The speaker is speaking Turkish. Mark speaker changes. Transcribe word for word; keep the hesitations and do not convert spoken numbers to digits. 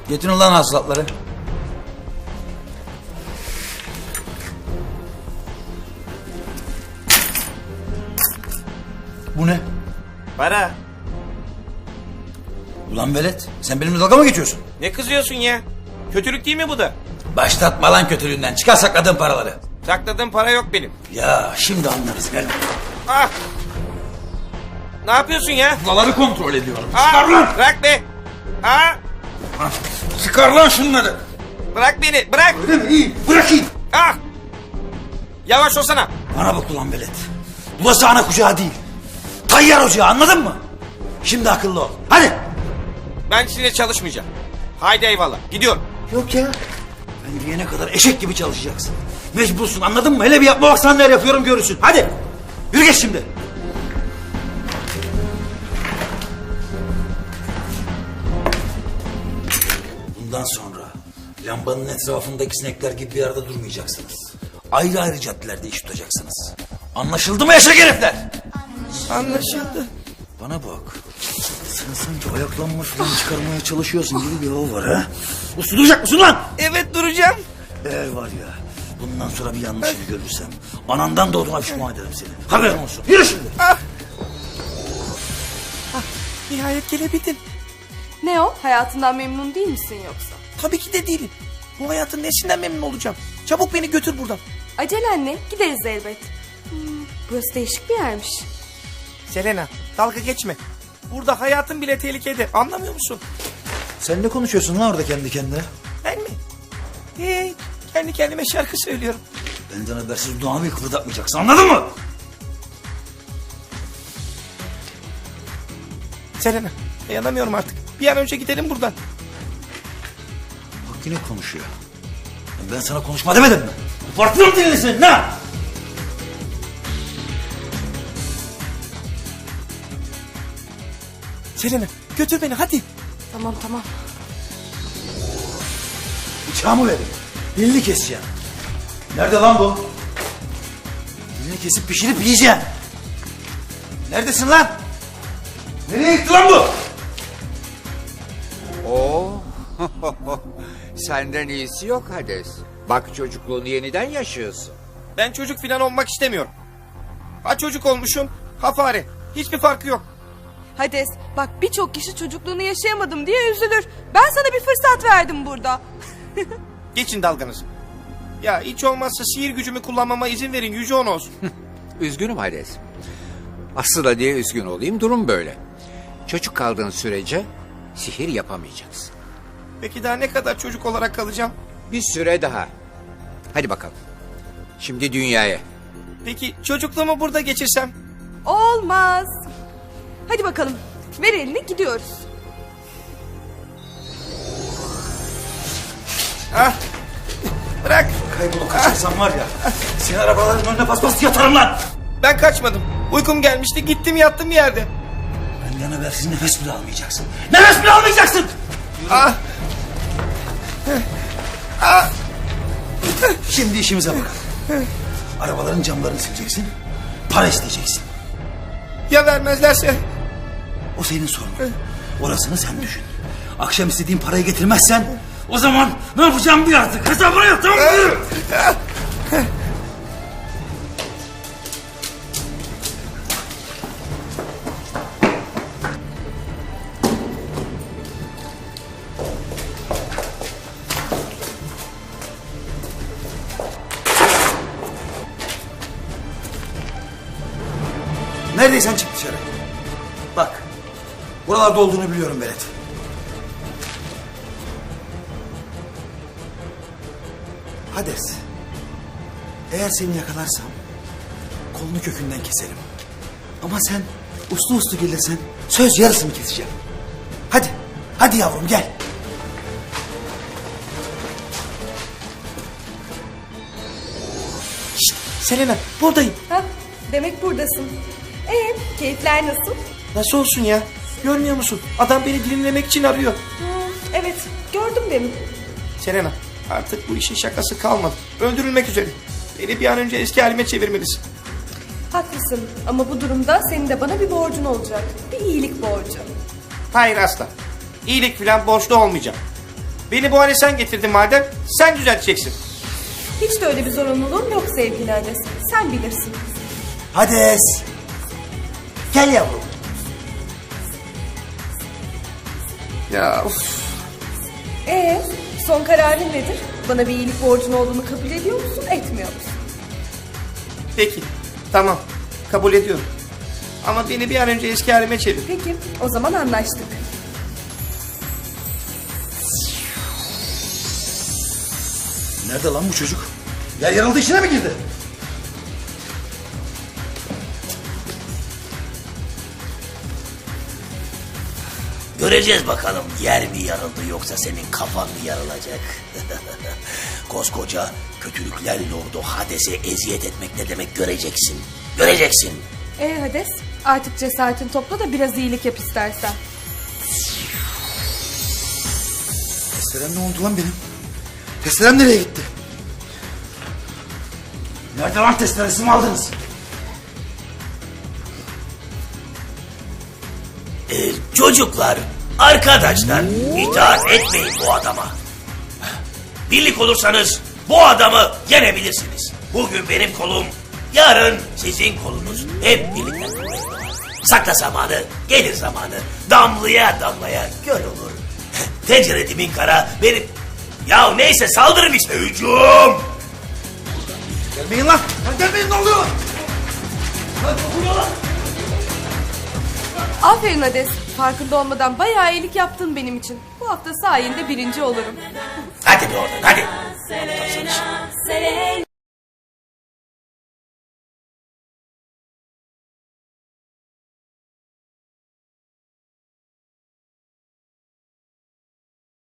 Speaker 1: Getirin lan hasılatları. Bu ne?
Speaker 2: Para.
Speaker 1: Ulan velet, sen benimle dalga mı geçiyorsun?
Speaker 2: Ne kızıyorsun ya? Kötülük değil mi bu da?
Speaker 1: Başlatma lan kötülüğünden. Çıkar sakladığın paraları.
Speaker 2: Sakladığım para yok benim.
Speaker 1: Ya şimdi anlarız gel.
Speaker 2: Ah! Ne yapıyorsun ya?
Speaker 1: Paraları kontrol ediyorum.
Speaker 2: Ah!
Speaker 1: Çıkar lan.
Speaker 2: Bırak be! Ah!
Speaker 1: Ah, çıkar lan şunları.
Speaker 2: Bırak beni, bırak!
Speaker 1: Öyle mi? İyi, bırakayım.
Speaker 2: Ah! Yavaş olsana.
Speaker 1: Bana bak ulan velet. Burası ana kucağı değil. Tayyar ocağı, anladın mı? Şimdi akıllı ol. Hadi.
Speaker 2: Ben sizinle çalışmayacağım. Haydi eyvallah, gidiyorum.
Speaker 1: Yok ya. Ben diyene kadar eşek gibi çalışacaksın. Mecbursun, anladın mı? Hele bir yapma bak, sana neler yapıyorum görürsün. Hadi. Yürü geç şimdi. Bundan sonra lambanın etrafındaki sinekler gibi bir arada durmayacaksınız. Ayrı ayrı caddelerde iş tutacaksınız. Anlaşıldı mı eşek herifler?
Speaker 2: Anlaşıldı.
Speaker 1: Bana bak. Sen sanki ayaklanma falan çıkarmaya çalışıyorsun gibi bir hava var ha. Uslu duracak mısın lan?
Speaker 2: Evet, duracağım.
Speaker 1: Eğer var ya bundan sonra bir yanlışını görürsem anandan doğduğuna pişman ederim seni. Haberin olsun. Yürü şimdi.
Speaker 2: Ah! Ah, nihayet gelebildin.
Speaker 3: Ne o? Hayatından memnun değil misin yoksa?
Speaker 2: Tabii ki de değilim. Bu hayatın nesinden memnun olacağım? Çabuk beni götür buradan.
Speaker 3: Acelen ne? Gideriz elbet. Hmm, burası değişik bir yermiş.
Speaker 2: Selena, dalga geçme. Burada hayatın bile tehlikede. Anlamıyor musun?
Speaker 1: Sen ne konuşuyorsun lan orada kendi kendine?
Speaker 2: Ben mi? Hey, kendi kendime şarkı söylüyorum.
Speaker 1: Benden habersiz dudağımı bir kıpırdatmayacaksın, anladın mı?
Speaker 2: Selena, dayanamıyorum artık. Bir an önce gidelim buradan.
Speaker 1: Bak yine konuşuyor. Ben sana konuşma demedim mi? Kopartırım dilini senin ha!
Speaker 2: Selena, götür beni hadi.
Speaker 3: Tamam tamam.
Speaker 1: Bıçağımı verin. Dilini keseceğim. Nerede lan bu? Dilini kesip pişirip yiyeceğim. Neredesin lan? Nereye gitti lan bu?
Speaker 4: Oo. Senden iyisi yok Hades. Bak çocukluğunu yeniden yaşıyorsun.
Speaker 2: Ben çocuk falan olmak istemiyorum. Ha çocuk olmuşum, ha fare. Hiçbir farkı yok.
Speaker 3: Hades bak, birçok kişi çocukluğunu yaşayamadım diye üzülür. Ben sana bir fırsat verdim burada.
Speaker 2: Geçin dalganızı. Ya hiç olmazsa sihir gücümü kullanmama izin verin, Yüce On olsun.
Speaker 4: Üzgünüm Hades. Aslında niye üzgün olayım? Durum böyle. Çocuk kaldığın sürece sihir yapamayacaksın.
Speaker 2: Peki daha ne kadar çocuk olarak kalacağım?
Speaker 4: Bir süre daha. Hadi bakalım. Şimdi dünyaya.
Speaker 2: Peki çocukluğumu burada geçirsem?
Speaker 3: Olmaz. Hadi bakalım. Ver elini, gidiyoruz.
Speaker 2: Ah! Bırak!
Speaker 1: Kaybolup kaçarsan var ya, seni arabaların önüne paspas yatarım lan!
Speaker 2: Ben kaçmadım. Uykum gelmişti, gittim yattım bir yerde.
Speaker 1: Benden habersiz nefes bile almayacaksın. Nefes bile almayacaksın!
Speaker 2: Ah! Ah!
Speaker 1: Şimdi işimize bakalım. Arabaların camlarını sileceksin, para isteyeceksin.
Speaker 2: Ya vermezlerse?
Speaker 1: O senin sorunun. Orasını sen düşün. Akşam istediğin parayı getirmezsen o zaman ne yapacağım bir artık. Hesabını yap, tamam mı? Yürü. Neredeysen çık dışarı. Bak, buralarda olduğunu biliyorum Berat. Hades, eğer seni yakalarsam kolunu kökünden keserim. Ama sen uslu uslu gelirsen söz yarısını keseceğim. Hadi, hadi yavrum gel.
Speaker 2: Şşt! Selena, buradayım.
Speaker 3: Hah, demek buradasın. Ee, keyifler nasıl?
Speaker 2: Nasıl olsun ya? Görmüyor musun? Adam beni dilimlemek için arıyor.
Speaker 3: Hmm, evet, gördüm demin.
Speaker 2: Selena, artık bu işin şakası kalmadı. Öldürülmek üzere. Beni bir an önce eski halime çevirmelisin.
Speaker 3: Haklısın ama bu durumda senin de bana bir borcun olacak. Bir iyilik borcu.
Speaker 2: Hayır asla. İyilik falan borçlu olmayacağım. Beni bu hale sen getirdin madem, sen düzelteceksin.
Speaker 3: Hiç de öyle bir zorunluluğum yok sevgili Hades. Sen bilirsin.
Speaker 1: Hades. Gel yavrum.
Speaker 2: Ya uf.
Speaker 3: Ee, son kararın nedir? Bana bir iyilik borcun olduğunu kabul ediyor musun, etmiyor musun?
Speaker 2: Peki, tamam. Kabul ediyorum. Ama beni bir an önce eski halime çevir.
Speaker 3: Peki, o zaman anlaştık.
Speaker 1: Nerede lan bu çocuk? Yer yarıldı işine mi girdi?
Speaker 5: Göreceğiz bakalım yer mi yarıldı yoksa senin kafan mı yarılacak? Koskoca kötülükler lordu Hades'e eziyet etmek ne demek göreceksin. Göreceksin.
Speaker 3: Ee Hades, artık cesaretini topla da biraz iyilik yap istersen.
Speaker 1: Testerem ne oldu lan benim? Testerem nereye gitti? Nerede lan testeresimi aldınız?
Speaker 5: Ee, çocuklar, arkadaşlar itaat etmeyin bu adama. Birlik olursanız bu adamı yenebilirsiniz. Bugün benim kolum, yarın sizin kolunuz. Hep birlikte kuvvet var. Sakla zamanı, gelir zamanı. Damlaya damlaya göl olur. Tencere dibin kara benim... Ya neyse saldırın işte hücum.
Speaker 1: Gelmeyin lan! Lan gelmeyin ne oluyor? Lan vuruyorlar!
Speaker 3: Aferin Hades, farkında olmadan bayağı iyilik yaptın benim için. Bu hafta sayende birinci olurum.
Speaker 5: Hadi be oradan hadi.